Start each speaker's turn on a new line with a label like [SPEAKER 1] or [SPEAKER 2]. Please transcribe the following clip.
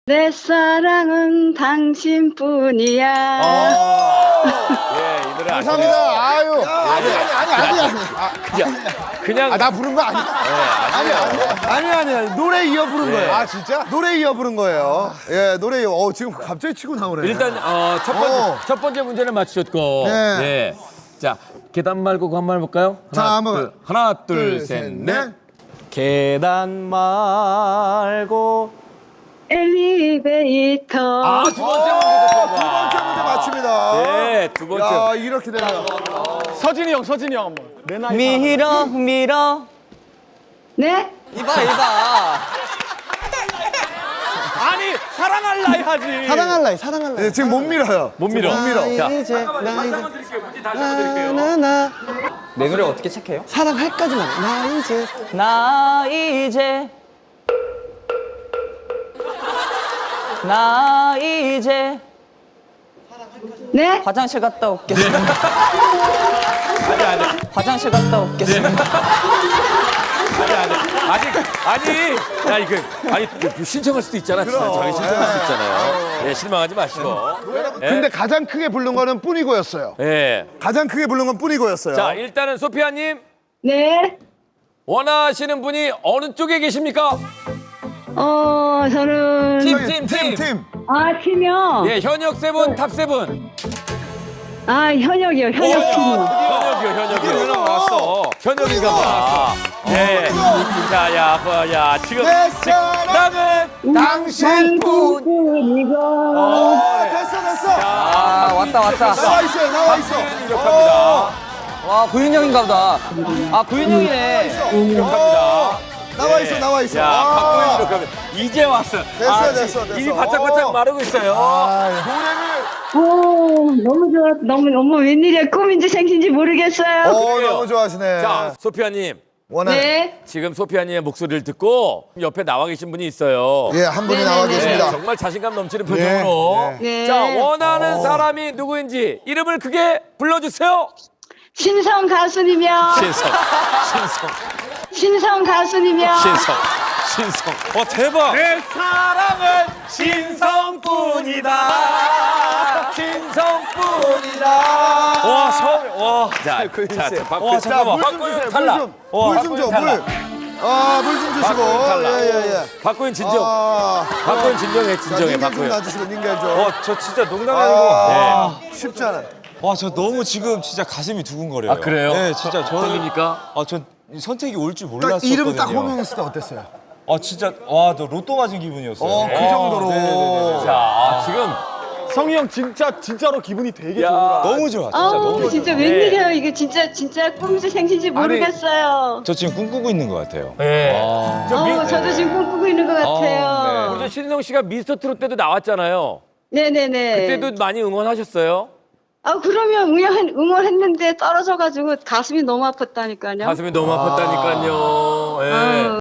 [SPEAKER 1] 내 사랑은 당신뿐이야.
[SPEAKER 2] 예, 이 노래 아시죠?
[SPEAKER 3] 감사합니다. 아유.
[SPEAKER 2] 그냥
[SPEAKER 3] 나 부른 거 아니야? 아니. 노래 이어 부른 거예요. 아, 진짜? 노래 이어 부른 거예요. 예, 노래 이어. 지금 갑자기 치고 나오네.
[SPEAKER 2] 일단 첫 번째 문제는 맞추셨고.
[SPEAKER 3] 네.
[SPEAKER 2] 예. 자, 계단 말고 그거 한번 해볼까요? 하나, 둘, 셋, 넷.
[SPEAKER 4] 계단 말고
[SPEAKER 1] 엘리베이터.
[SPEAKER 2] 두 번째 문제도
[SPEAKER 3] 두 번째 문제 맞춥니다.
[SPEAKER 2] 예, 두 번째.
[SPEAKER 3] 야, 이렇게 되네요.
[SPEAKER 4] 서진이 형 한번. 내 나이 밀어.
[SPEAKER 1] 네?
[SPEAKER 4] 이봐. 아니 사랑할라 하지.
[SPEAKER 3] 사랑할래. 네, 지금 못 밀어요.
[SPEAKER 2] 못 밀어.
[SPEAKER 3] 못 밀어.
[SPEAKER 2] 자,
[SPEAKER 4] 이제
[SPEAKER 2] 다시 한번 드릴게요. 문제 다시 한번 드릴게요.
[SPEAKER 4] 내 노래 어떻게 체크해요? 사랑할까지만. 나 이제
[SPEAKER 1] 네?
[SPEAKER 4] 화장실 갔다 올겠습니다. 화장실 갔다 올겠습니다.
[SPEAKER 2] 신청할 수도 있잖아. 진짜 자기 신청할 수 있잖아요. 예, 실망하지 마시고.
[SPEAKER 3] 근데 가장 크게 부른 거는 뿐이고였어요.
[SPEAKER 2] 예.
[SPEAKER 3] 가장 크게 부른 건 뿐이고였어요.
[SPEAKER 2] 자, 일단은 소피아님
[SPEAKER 1] 네?
[SPEAKER 2] 원하시는 분이 어느 쪽에 계십니까?
[SPEAKER 1] 저는.
[SPEAKER 2] 팀.
[SPEAKER 1] 아, 팀이요?
[SPEAKER 2] 예, 현역 세븐, 탑 세븐.
[SPEAKER 1] 아, 현역이요. 현역 팀이요.
[SPEAKER 2] 현역이요. 나왔어. 현역인가 봐. 예. 자, 야, 지금
[SPEAKER 3] 내 사랑은 당신뿐.
[SPEAKER 1] 뿐이고.
[SPEAKER 3] 됐어.
[SPEAKER 4] 아 왔다.
[SPEAKER 3] 나와 있어.
[SPEAKER 2] 기록합니다.
[SPEAKER 4] 와 구윤 형인가 보다. 아 구윤 형이네.
[SPEAKER 2] 기록합니다.
[SPEAKER 3] 나와 있어.
[SPEAKER 2] 야, 박구현 기록합니다. 이제 왔어.
[SPEAKER 3] 됐어.
[SPEAKER 2] 입이 바짝바짝 마르고 있어요.
[SPEAKER 1] 너무 좋아. 너무 웬일이야. 꿈인지 생신지 모르겠어요.
[SPEAKER 3] 너무 좋아하시네.
[SPEAKER 2] 자, 소피아님.
[SPEAKER 1] 네?
[SPEAKER 2] 지금 소피아님의 목소리를 듣고 옆에 나와 계신 분이 있어요.
[SPEAKER 3] 예, 한 분이
[SPEAKER 1] 네네네.
[SPEAKER 3] 나와
[SPEAKER 2] 네,
[SPEAKER 3] 계십니다.
[SPEAKER 2] 정말 자신감 넘치는 표정으로.
[SPEAKER 1] 네.
[SPEAKER 2] 자, 원하는 사람이 누구인지 이름을 크게 불러주세요.
[SPEAKER 1] 신성 가수님이요. 신성 가수님이요.
[SPEAKER 2] 신성. 대박. 내 사랑은 신성뿐이다. 와, 와. 자, 잠깐만. 박구현 탈락.
[SPEAKER 3] 물 좀 줘. 물 좀 주시고.
[SPEAKER 2] 박구현 탈락.
[SPEAKER 3] 예.
[SPEAKER 2] 박구현 진정. 박구현 진정해.
[SPEAKER 3] 닌겔 좀
[SPEAKER 2] 박구현.
[SPEAKER 3] 놔주시고 닌겔 좀.
[SPEAKER 5] 저 진짜 농담이 아니고
[SPEAKER 3] 쉽지 않아.
[SPEAKER 5] 와 저 너무 지금 진짜 가슴이 두근거려요.
[SPEAKER 2] 아, 그래요?
[SPEAKER 5] 네 진짜 저는
[SPEAKER 2] 떨립니까?
[SPEAKER 5] 전 선택이 올 줄
[SPEAKER 3] 딱
[SPEAKER 5] 몰랐었거든요.
[SPEAKER 3] 이름 딱 호명했을 때 어땠어요?
[SPEAKER 5] 진짜 와 저 로또 맞은 기분이었어요.
[SPEAKER 3] 그 정도로.
[SPEAKER 5] 네네네.
[SPEAKER 2] 자, 지금
[SPEAKER 4] 성희 형 진짜로 기분이 되게
[SPEAKER 2] 야.
[SPEAKER 4] 좋은가.
[SPEAKER 5] 너무 좋아. 진짜 너무 좋아.
[SPEAKER 1] 진짜 웬일이야. 이게 진짜 꿈인지 생신지 모르겠어요.
[SPEAKER 5] 저 지금 꿈꾸고 있는 것 같아요.
[SPEAKER 2] 네.
[SPEAKER 1] 저도 지금 꿈꾸고 있는 것 같아요.
[SPEAKER 2] 우리 신성 씨가 미스터 트롯 때도 나왔잖아요.
[SPEAKER 1] 네네네.
[SPEAKER 2] 그때도 많이 응원하셨어요?
[SPEAKER 1] 그러면 응원했는데 떨어져가지고 가슴이 너무 아팠다니까요.
[SPEAKER 2] 가슴이 너무 아팠다니까요. 예.
[SPEAKER 1] 아유.